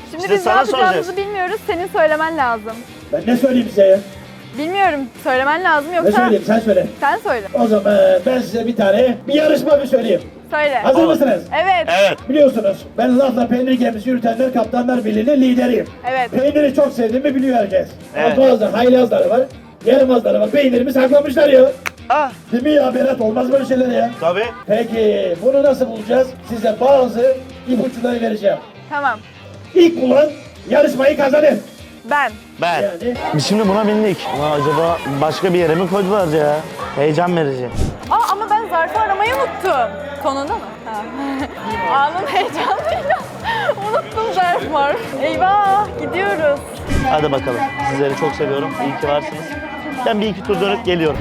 Şimdi İşte biz ne sana yapacağımızı soracağız. bilmiyoruz. Senin söylemen lazım. Ben ne söyleyeyim size ya? Bilmiyorum. Söylemen lazım Ne yoksa... söyleyeyim sen söyle. Sen söyle. O zaman ben size bir yarışma söyleyeyim. Söyle. Hazır mısınız? Evet. Evet. Biliyorsunuz ben lafla peynir gemisi yürütenler kaptanlar birliğinin lideriyim. Evet. Peyniri çok sevdiğimi biliyor herkes. Evet. Ama bazı haylazları var, yaramazları var. Peynirimi saklamışlar ya. Ah, Değil mi ya Berat? Olmaz böyle şeyler ya. tabii. Peki bunu nasıl bulacağız? Size bazı ipuçları vereceğim. Tamam. İlk bulan yarışmayı kazanır. Ben. Ben. Yani Biz şimdi buna bindik. Ama acaba başka bir yere mi koydular ya? Heyecan verici. Ama ben zarfı aramayı unuttum. Sonunda mı? Ha. Anın heyecanıyla unuttum zarf var. Eyvah gidiyoruz. Hadi bakalım. Sizleri çok seviyorum. İyi ki varsınız. Ben bir iki tur dönüp geliyorum.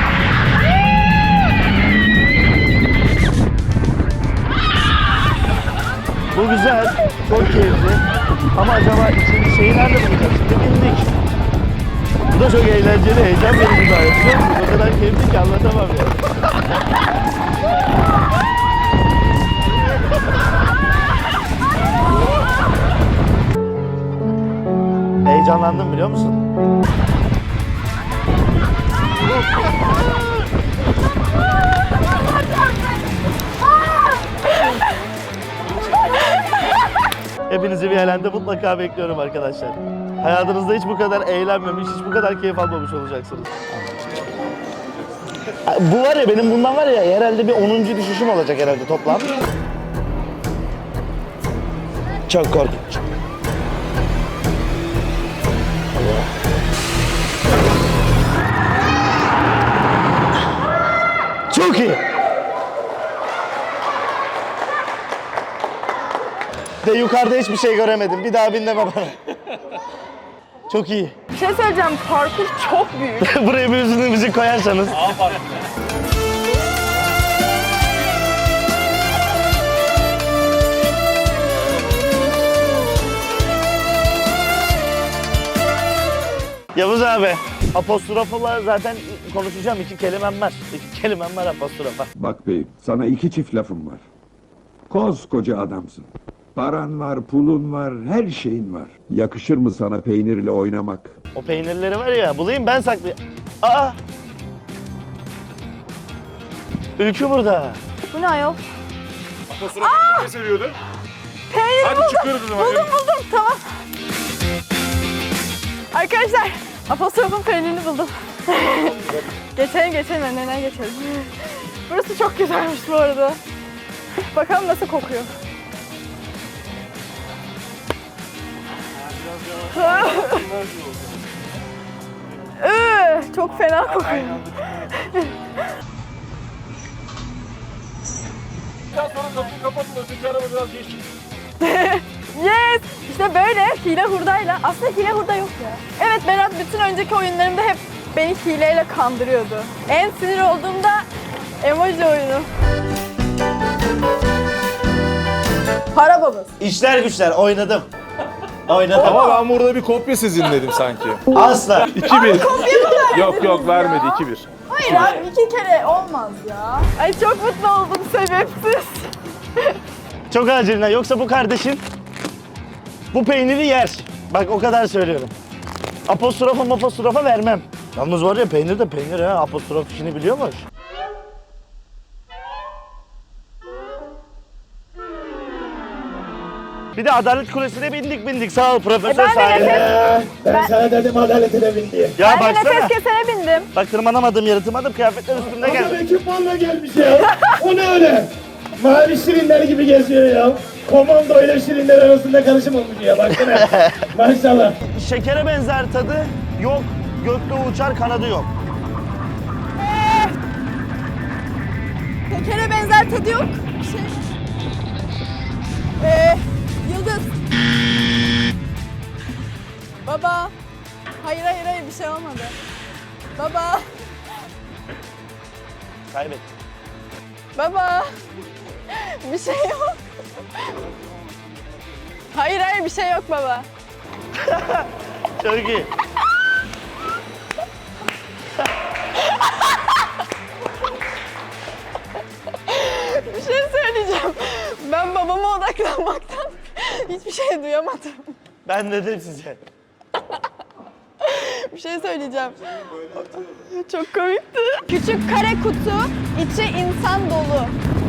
Bu güzel. Çok keyifli. Ama acaba ikinci şeyi nerede bulacağız? Şimdi bindik. Bu da çok eğlenceli, heyecan verici gayet. Biliyor musunuz? O kadar keyifli ki anlatamam ya. Heyecanlandım biliyor musun? Hepinizi bir alende mutlaka bekliyorum arkadaşlar. Hayatınızda hiç bu kadar eğlenmemiş, hiç bu kadar keyif almamış olacaksınız. Bu var ya, benim bundan var ya herhalde bir 10. düşüşüm olacak herhalde toplam. Çok korkunç. Çok iyi. De yukarıda hiçbir şey göremedim. Bir daha bin deme bana. Çok iyi. Bir şey söyleyeceğim. Parkur çok büyük. Buraya bir üzümlü müzik koyarsanız. Yavuz abi, apostrofla zaten konuşacağım. 2 kelimem var. 2 kelimem var apostrofa. Bak beyim, sana 2 çift lafım var. Koskoca adamsın. Paran var, pulun var, her şeyin var. Yakışır mı sana peynirle oynamak? O peynirleri var ya, bulayım ben saklayayım. Aa! Ülkü burada. Bu ne ayol? Ne seviyordu? Peynir Hadi buldum. çıkıyoruz o zaman. Buldum. Tamam. Arkadaşlar apostrofun peynirini buldum. geçelim önlerine geçelim. Burası çok güzelmiş bu arada. Bakalım nasıl kokuyor. Çok fena kokuyor. Daha sonra kapıyı kapatın, öteki araba biraz geç. Yes! İşte böyle hile hurdayla. Aslında hile hurda yok ya. Evet, Berat bütün önceki oyunlarımda hep beni hileyle kandırıyordu. En sinir olduğumda emoji oyunu. Para babası. İşler güçler, oynadım. Oynadım. Ama ben burada bir kopya sizin dedim sanki. Asla. 2-1. Yok vermedi 2-1. Hayır abi, 2 kere olmaz ya. Ay çok mutlu oldum sebepsiz. Çok acilinden. Yoksa bu kardeşin bu peyniri yer. Bak o kadar söylüyorum. Apostrofa vermem. Yalnız var ya, peynir de peynir ha. Apostrof işini biliyormuş. Bir de Adalet Kulesi'ne bindik. Sağ ol Profesör ben de sayende. ben sana dedim adaletine bin diye. Ya Ben de baksana. nefes kesene bindim. Bak tırmanamadım, yaratamadım. Kıyafetler üstümde Adam geldi. ekipmanla gelmiş ya. O ne öyle? Mavi şirinler gibi geziyor ya. Komando ile şirinler arasında karışım olmuş ya. Baksana. Maşallah. Şekere benzer tadı yok. Gökte uçar, kanadı yok. Şekere benzer tadı yok. Yıldız. Baba. Hayır bir şey olmadı. Baba. Kaybettim. Baba. Bir şey yok. Hayır bir şey yok baba. Çok iyi. Bir şey söyleyeceğim. Ben babama odaklanmaktan Hiçbir şey duyamadım. Ben dedim size. Bir şey söyleyeceğim. Çok komikti. Küçük kare kutu, içi insan dolu.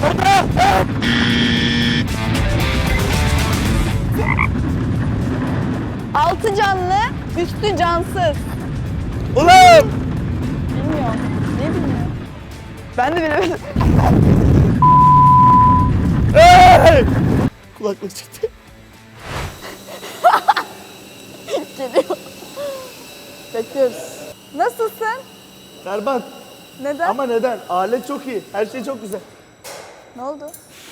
Altı canlı, üstü cansız. Ulan! Bilmiyorum. Ne bilmiyorum? Ben de bilemedim. Hey! Kulaklık çıktı. Geliyor. Bekliyoruz. Nasılsın? Berbat. Neden? Ama neden? Alet çok iyi. Her şey çok güzel. Ne oldu?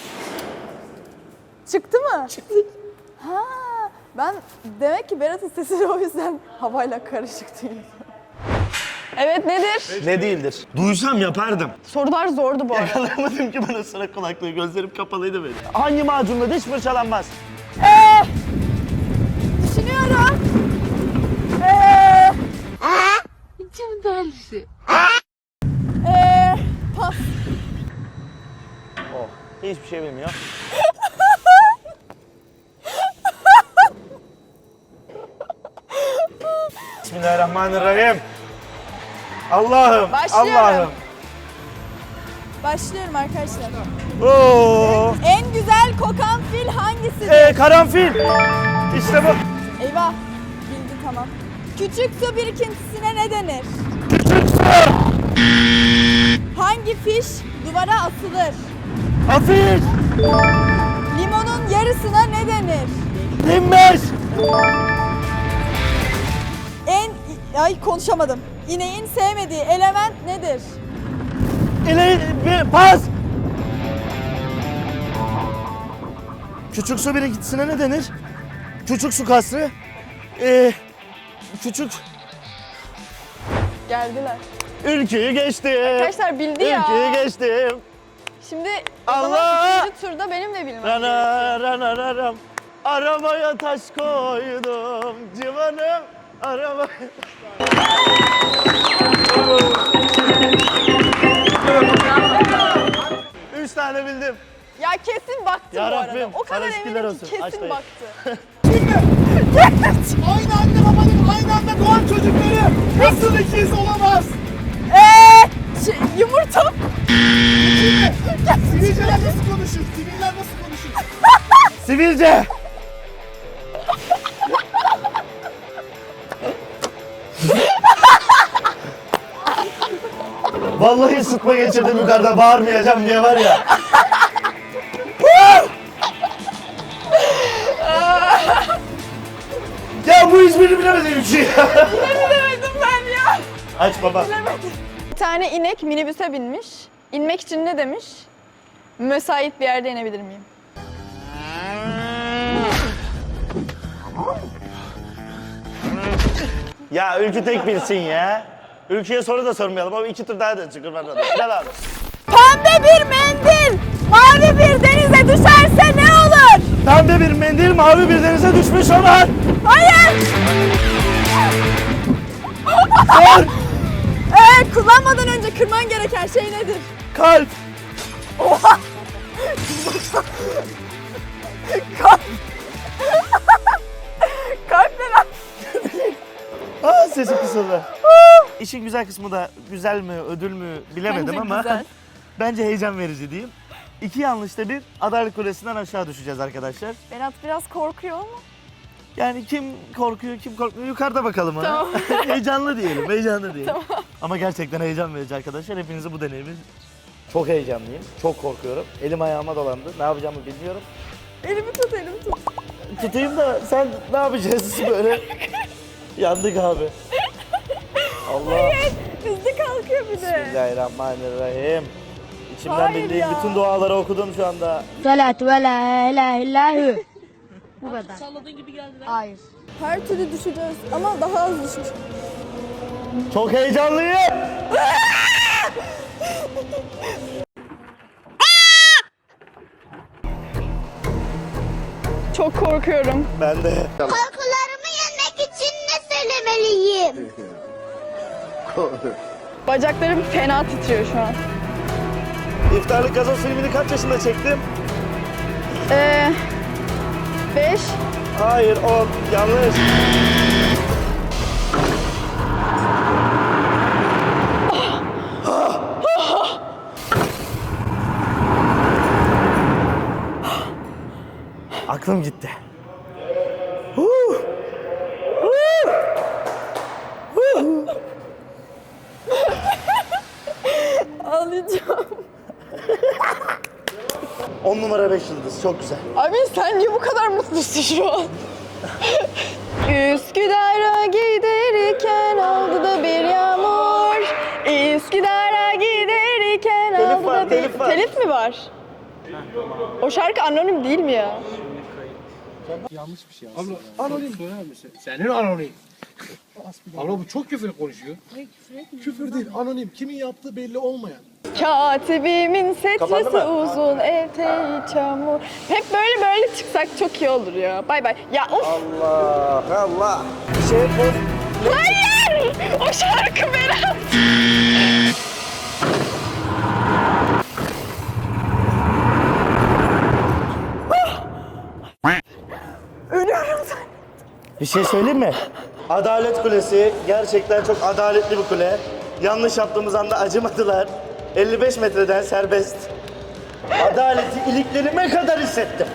Çıktı mı? Çıktı. Ha, ben demek ki Berat'ın sesi de o yüzden havayla karışık değil. Evet, nedir? Ne değildir? Duysam yapardım. Sorular zordu bu arada. Yakalayamadım ki bana sıra kulaklığı. Gözlerim kapalıydı benim. Hangi macunla diş fırçalanmaz? Düşünüyorum. Pas. Oh. Hiçbir şey bilmiyor. Bismillahirrahmanirrahim. Allah'ım. Başlıyorum. Allah'ım. Başlıyorum arkadaşlar. Oo. En güzel kokan fil hangisidir? Karanfil. İşte bu. Eyvah. Bildi tamam. Küçük su birikintisine ne denir? Hangi fiş duvara asılır? Afiş. Limonun yarısına ne denir? Dinmez. Ay konuşamadım. İneğin sevmediği element nedir? Pas. Küçük su birikintisine ne denir? Küçük su kasrı. Küçük. Geldiler. Ülküyü geçtim. Arkadaşlar bildi ya. Ülküyü geçtim. Şimdi o Allah! zaman ikinci turda benim de bilmem gerekiyor. Rana rana raram. Arabaya taş koydum civanım. Arabaya. Üç tane bildim. Ya kesin baktı bu Ya arada. Rabbim, O kadar sana şükürler eminim ki olsun. Aç kesin dayı. baktı. Aynı anne babanın aynı anda doğan çocukları nasıl ikiz olamaz? Yumurta. Sivilceler nasıl konuşur? Siviller nasıl konuşur? Sivilce. Vallahi sıtma geçirdim yukarıda, bağırmayacağım diye var ya. Ya bu hiçbirini bilemedim bir şey. Bilemedim ben ya. Aç baba. Bilemedim. Bir tane inek minibüse binmiş. İnmek için ne demiş? Müsait bir yerde inebilir miyim? Ya Ülkü tek bilsin ya. Ülkü'ye soru da sormayalım ama iki tur daha da çıkır bana da. Gel abi. Pembe bir mendil mavi bir denize düşerse ne olur? Pembe bir mendil mavi bir denize düşmüş olan. Hayır. Sor. Kullanmadan önce kırman gereken şey nedir? Kalp. Oha! Kalp. Kalp ne lan? Aa sesi kısıldı. İşin güzel kısmı da güzel mi ödül mü bilemedim Bence ama güzel. bence heyecan verici diyeyim. İki yanlışta bir Adalet Kulesi'nden aşağı düşeceğiz arkadaşlar. Berat biraz korkuyor ama. Yani kim korkuyor kim korkmuyor yukarıda bakalım ona. Tamam. Heyecanlı diyelim, heyecanlı diyelim. Ama gerçekten heyecan verici arkadaşlar. Hepinizi bu deneyimi çok heyecanlıyım, çok korkuyorum. Elim ayağıma dolandı. Ne yapacağımı bilmiyorum. Elimi tut, elimi tut. Tutayım da sen ne yapacağız böyle? Yandık abi. Allah. Hızlı kalkıyor bir de. Bismillahirrahmanirrahim. İçimden Hayır bildiğim ya. bütün duaları okudum şu anda. Salat ve la ilahe illallah. Bu kadar. Salladığın gibi geldiler. Hayır. Her türlü düşeceğiz ama daha az düşmüş. Çok heyecanlıyım. Çok korkuyorum. Ben de. Korkularımı yenmek için ne söylemeliyim? Bacaklarım fena titriyor şu an. İftarlık gazoz filmini kaç yaşında çektim? 5. Hayır 10. Yanlış. Aklım gitti. Huh. Huh. Huh. Ağlayacağım. 10 numara 5 yıldız. Çok güzel. Abi sen niye bu kadar mutlusun şu an? Üsküdar'a giderken oldu da bir yağmur. Üsküdar'a giderken Telif oldu var, da bir... telif var. Telif mi var? O şarkı anonim değil mi ya? Anonim. Senin anonim. Abla bu çok küfür konuşuyor. Küfür değil, anonim. Kimin yaptığı belli olmayan. Katibimin Kapandı setresi mı? uzun, eteği çamur. Hep böyle çıksak çok iyi olur ya. Bay bay. Ya of! Allah Allah. Şey bu. Hayır! O şarkı Berat! Ölüyorum sen. Bir şey söyleyeyim mi? Adalet Kulesi gerçekten çok adaletli bir kule. Yanlış yaptığımız anda acımadılar. 55 metreden serbest. Adaleti iliklerime kadar hissettim.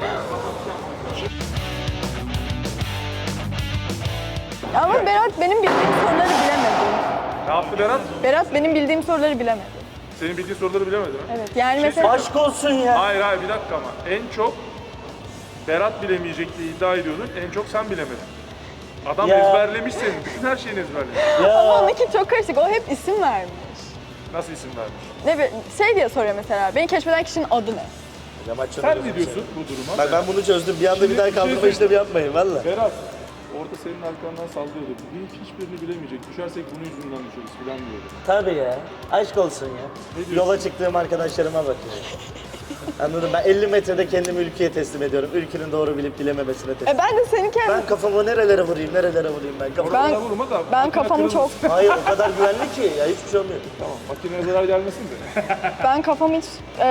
Ama Berat benim bildiğim soruları bilemedi. Ne yaptı Berat? Berat benim bildiğim soruları bilemedi. Senin bildiğin soruları bilemedi mi? Evet yani mesela... Aşk olsun ya. Hayır bir dakika ama. En çok Berat bilemeyecek diye iddia ediyordun. En çok sen bilemedin. Adam Ya. ezberlemiş senin. Bütün her şeyini ezberlemiş. Ama Ya. onunki çok karışık. O hep isim vermiş. Nasıl isim vermiş? Ne şey diye soruyor mesela. Beni keşfeden kişinin adı ne? Sen ne diyorsun bu duruma? Bak ben bunu çözdüm. Bir anda bir daha kaldırma şey işlemi yapmayın valla. Berat, orada senin arkandan sallıyordu. Hiçbirini bilemeyecek. Düşersek bunun yüzünden düşeriz filan diyordu. Tabii ya. Aşk olsun ya. Ne diyorsun? Yola çıktığım arkadaşlarıma bakıyorum. Anladın? Ben 50 metrede kendimi ülkeye teslim ediyorum. Ülkenin doğru bilip bilememesine teslim. Ben de seni kendim... Ben kafamı nerelere vurayım ben kafamı. Ben- Ona vurma da. Ben makine kafamı kırılmasın. çok... Hayır o kadar güvenli ki ya hiçbir şey olmuyor. Tamam, makineye zarar gelmesin de. Ben kafamı hiç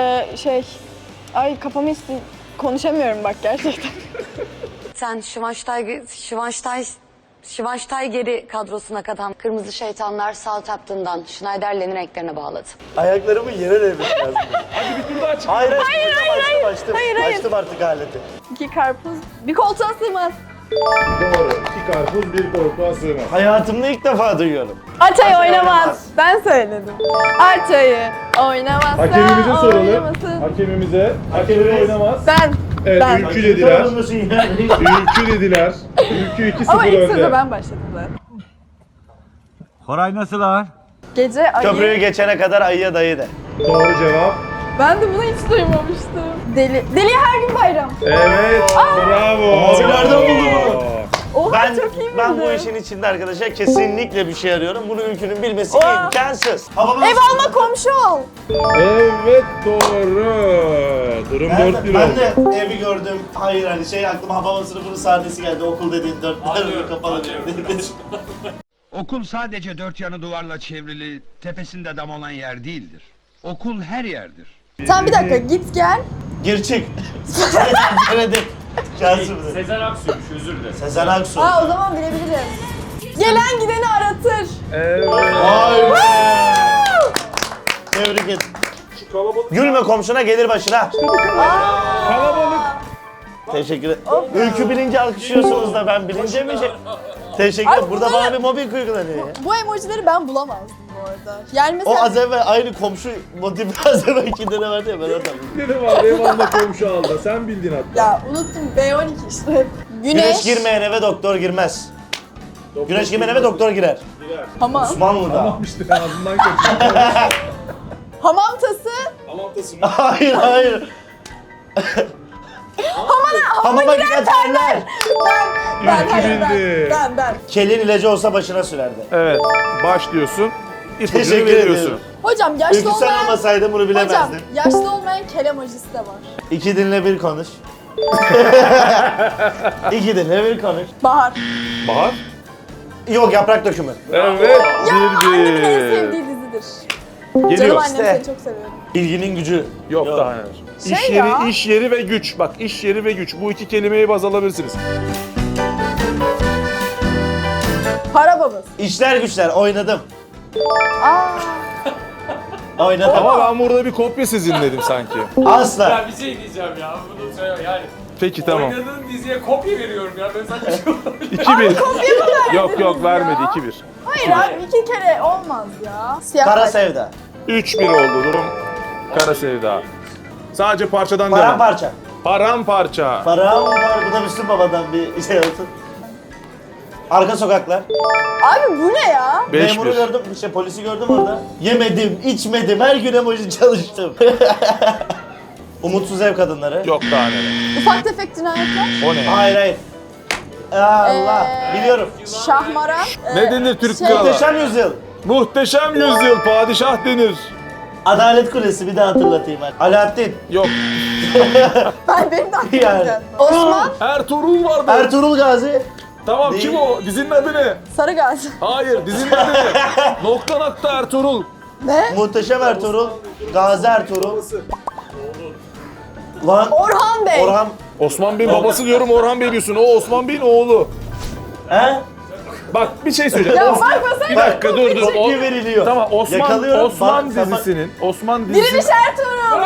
kafamı hiç konuşamıyorum bak gerçekten. Sen Schweinsteiger'i kadrosuna katan Kırmızı Şeytanlar Southampton'dan Schneiderlin'in renklerine bağladı. Ayaklarımı yere değmiş lazım. Hadi bir tur daha çık. Hayır açtım. Hayır. Açtım artık aleti. 2 karpuz bir koltuğa sığmaz. Doğru. 2 karpuz, 1 koltuğa sığmaz. Hayatımda ilk defa duyuyorum. Açayı oynamaz. Ben söyledim. Açayı oynamazsa Hakemimize soralım. oynamasın. Hakemimize. Hakemimiz. Hakemimiz oynamaz. Ben. Evet, Ben. ülkü dediler. Musun ya? Ülkü dediler. Ülkü 2-0 Ama ilk önde. sözü ben başladım zaten. Koray nasıl lan? Gece ayı. Köprüyü geçene kadar ayıya dayı de. Doğru cevap. Ben de bunu hiç duymamıştım. Deli her gün bayram. Evet. Bravo. Abi nereden buldun bunu? Oha Ben, çok iyi ben bu bildin. işin içinde arkadaşlar kesinlikle bir şey arıyorum. Bunu ülkünün bilmesi Oha. imkansız. Ev alma komşu ol. Evet doğru. Durum 4-1 Ben oldu. de evi gördüm. Hayır hani şey aklıma hava sınıfının sahnesi geldi. Okul dediğin 4 kapalı diyor. Okul sadece dört yanı duvarla çevrili, tepesinde dam olan yer değildir. Okul her yerdir. Sen bir dakika git gel. Gir çık. Denedim. Şansım. Sezen Aksu'ymuş, özür dilerim. Sezen Aksu. Aa o zaman bilebilirim. Gelen gideni aratır. Evet. Vay be. Tebrik et. Şu kalabalık. Gülme komşuna gelir başına. Kalabalık. Teşekkür ederim. Ülkü bilince alkışlıyorsunuz da ben bilince mi şey? Teşekkür ederim. Abi Burada bunları- bana bir mobbing uygulanıyor ya. Bu emojileri ben bulamazdım bu arada. Yani O mesela az evvel aynı komşu motifi az evvel ikinde ne vardı ya ben oradan bildim. Dedim abi eyvallah komşu aldı. Sen bildin hatta. ya unuttum B12 işte. Güneş girmeyen eve doktor girmez. Güneş girmeyen eve doktor girer. Hamam. Osmanlı'da. Tamam işte ağzından kaçırdı. Hamam tası. Amantasın. Hayır. Hamama giren terler. Ben. Kelin ilacı olsa başına sürerdi. Evet. Başlıyorsun. İpucunu Teşekkür veriyorsun. ediyorum. Hocam yaşlı Ülkü sen olmayan... olmasaydın bunu Hocam bilemezdin. yaşlı olmayan kel emojisi de var. 2 dinle 1 konuş. 2 dinle 1 konuş. Bahar. Bahar. Yok yaprak dökümü. Evet. Annemin en 1-1. sevdiği dizidir. Geliyor. Canım annem İşte. seni çok seviyorum. İlginin gücü. Yok daha neler. İş yeri, iş yeri ve güç. Bak iş yeri ve güç. Bu iki kelimeyi baz alabilirsiniz. Para babası. İşler güçler oynadım. Aa, Oynadım. Ama ben burada bir kopya sizin dedim sanki. Asla. Ya bir şey diyeceğim ya. Bunu söyle yani. Peki tamam. Oynadığın diziye kopya veriyorum ya. Ben sana bir şey olmadı. 2-1. Yok yok vermedi 2-1. hayır abi 2 kere olmaz ya. Siyah Kara saç. sevda. 3-1 oldu durum. Kara sevda. Sadece parçadan devam. Paramparça. Paramparça. Param var. Bu da Müslüm Baba'dan bir şey olsun. Arka sokaklar. Abi bu ne ya? 5-1. Memuru gördüm, polisi gördüm orada. Yemedim, içmedim, her gün emoji çalıştım. Umutsuz ev kadınları. Yok daha neler. Ufak tefek cinayetler. O ne? Hayır hayır. Allah, biliyorum. Şahmara. Ne denir Türk şey- kralı? Muhteşem Yüzyıl. Muhteşem yüzyıl padişah denir. Adalet Kulesi bir daha hatırlatayım ben. Alaaddin. Yok. Benim de aklıma Yani. geldi. Osman Ertuğrul vardı. Ertuğrul Gazi. Tamam Değil. kim o? Dizinin adı ne? Sarıgazi. Hayır dizinin adı ne? Nokta nokta Ertuğrul. Ne? Muhteşem Ertuğrul. Gazi Ertuğrul. Lan Orhan Bey. Orhan. Osman Bey'in babası diyorum Orhan Bey diyorsun. O Osman Bey'in oğlu. He? Bak bir şey söyleyeceğim. Ya Osman... bakmasana. Bir dakika dur dur. Tepki veriliyor. Tamam Yakalıyorum. Osman Bak, dizisinin. Osman Diriliş dizisi. Ertuğrul.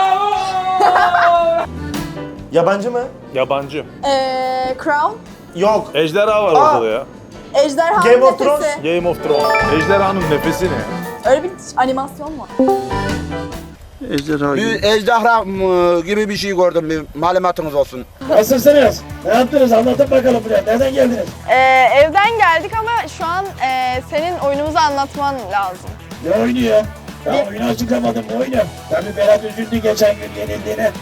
Yabancı mı? Yabancı. Crown. Yok. Ejderha var Aa. orada ya. Ejderhanın Game of nefesi. Thrones. Game of Thrones. Ejderhanın nefesi ne? Öyle bir animasyon var. Ejderha Bir ejderha gibi bir şey gördüm, bir malumatınız olsun. Nasılsınız? Ne yaptınız? Anlatın bakalım buraya. Nereden geldiniz? Evden geldik ama şu an senin oyunumuzu anlatman lazım. Ne oynuyor? Ya oyunu açıklamadım. Ne oynuyor? Tabii Berat üzüldü geçen gün yenildiğine.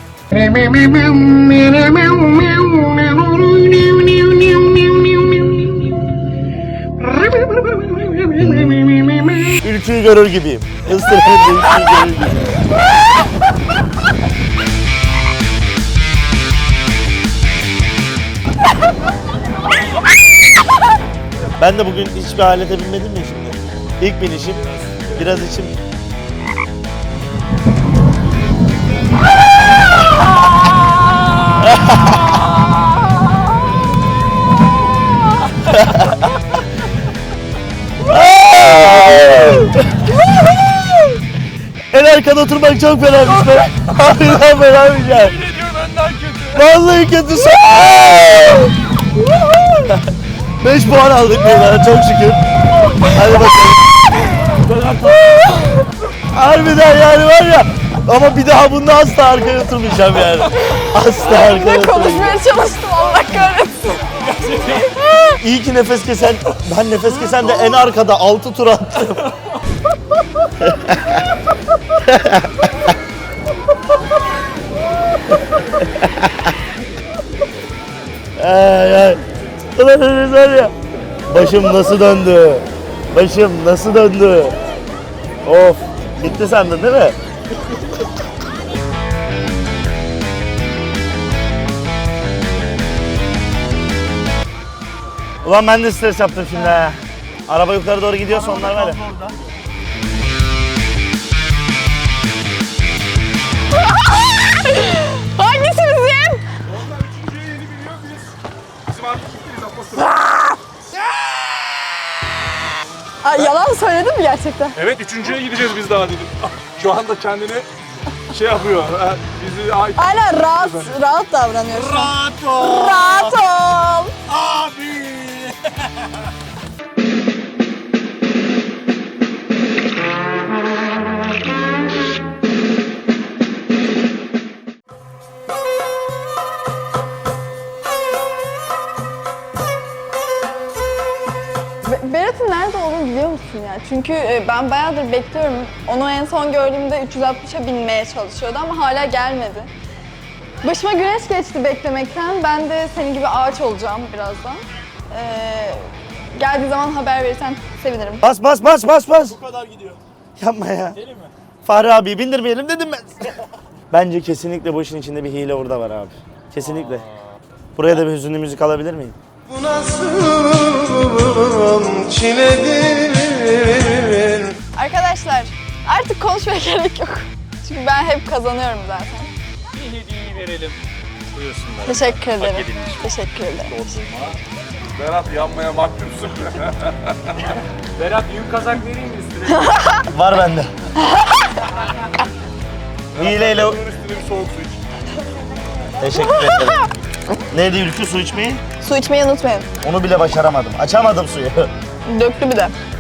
Ülküyü görür gibiyim. Isırın ülküyü görür gibiyim. Ben de bugün hiçbir alete binmedim ya şimdi. İlk binişim, biraz içim. En arkada oturmak çok fenaymış be. Harbiden fenaymış ya. Vallahi kötüsü. 5 puan aldık buradan çok şükür. Hadi bakalım. Harbiden yani var ya. Ama bir daha bunda asla arkaya oturmayacağım yani. Asla arkaya oturmayacağım. Konuşmaya çalıştım Allah kahretsin. İyi ki nefes kesen, ben nefes kesen de en arkada 6 tur attım. Ay ay. Ulan Enes var ya. Başım nasıl döndü? Başım nasıl döndü? Of. Gitti sandın değil mi? Ulan ben de stres yaptım şimdi ha. Araba yukarı doğru gidiyorsa onlar var ya. Hangisi bizim? Bizim artık Ay, yalan söyledin mi gerçekten? Evet üçüncüye gideceğiz biz daha dedim. Şu anda kendini şey yapıyor. Bizi Aynen rahat davranıyor şu an. Rahat ol. Rahat ol. Abi. Berat'ın nerede olduğunu biliyor musun ya? Çünkü ben bayağıdır bekliyorum. Onu en son gördüğümde 360'a binmeye çalışıyordu ama hala gelmedi. Başıma güneş geçti beklemekten. Ben de senin gibi ağaç olacağım birazdan. Geldiği zaman haber verirsen sevinirim. Bas bas bas bas bas. Bu kadar gidiyor. Yapma ya. Deli mi? Fahri abi bindirmeyelim dedim ben. Bence kesinlikle bu işin içinde bir hile orada var abi. Kesinlikle. Buraya da bir hüzünlü müzik alabilir miyim? Bu nasıl çiledir? Arkadaşlar artık konuşmaya gerek yok. Çünkü ben hep kazanıyorum zaten. verelim. Buyursunlar. Teşekkür ederim. Hak edilmiş. Teşekkür ederim. Berat yanmaya mahkumsun. Berat yün kazak vereyim mi üstüne? Var bende. Hileyle... Bunun üstüne bir soğuk su iç. Teşekkür ederim. Neydi Ülkü, su içmeyi? Su içmeyi unutmayın. Onu bile başaramadım. Açamadım suyu. Döktü bir de.